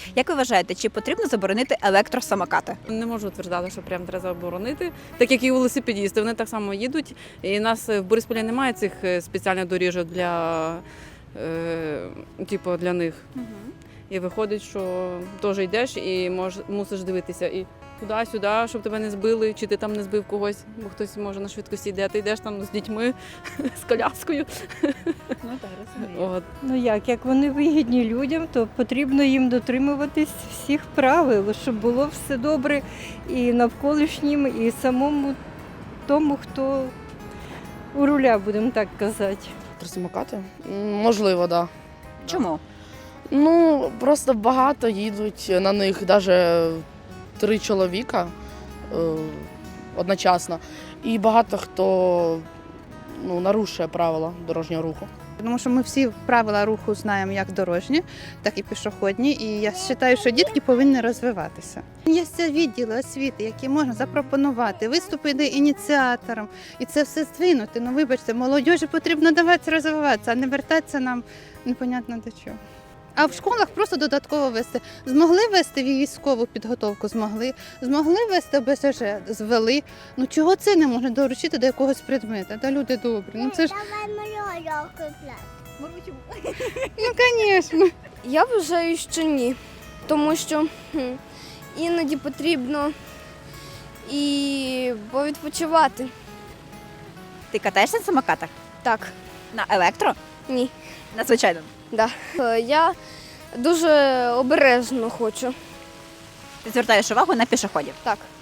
Як ви вважаєте, чи потрібно заборонити електросамокати? Не можу утверждати, що прям треба заборонити, так як і велосипедісти, вони так само їдуть. І у нас в Борисполі немає цих спеціальних доріжок для них. І виходить, що теж йдеш і мусиш дивитися і туди-сюди, щоб тебе не збили, чи ти там не збив когось, бо хтось може на швидкості йде, ти йдеш там з дітьми, з коляскою. Ну так, розумію. От. Ну як вони вигідні людям, то потрібно їм дотримуватись всіх правил, щоб було все добре і навколишнім, і самому тому, хто у руля, будемо так казати. Електросамокати? Можливо, так. Да. Чому? Ну, просто багато їдуть на них, навіть 3 чоловіка одночасно. І багато хто нарушує правила дорожнього руху. Тому що ми всі правила руху знаємо як дорожні, так і пішохідні. І я вважаю, що дітки повинні розвиватися. Є відділи освіти, які можна запропонувати, виступити ініціатором. І це все здвинути. Ну, вибачте, молодіжі потрібно давати розвиватися, а не вертатися нам непонятно до чого. А в школах просто додатково вести. Змогли вести військову підготовку, змогли вести ОБСЖ, звели. Ну чого це не можна доручити до якогось предмета? Та люди добрі. Ну це ж, ну звісно. Я вважаю, що ні, тому що іноді потрібно і повідпочивати. Ти катаєшся на самокатах? Так, На електро? ні. На звичайному? Да. Я дуже обережно хочу. Ти звертаєш увагу на пішоходів? Так.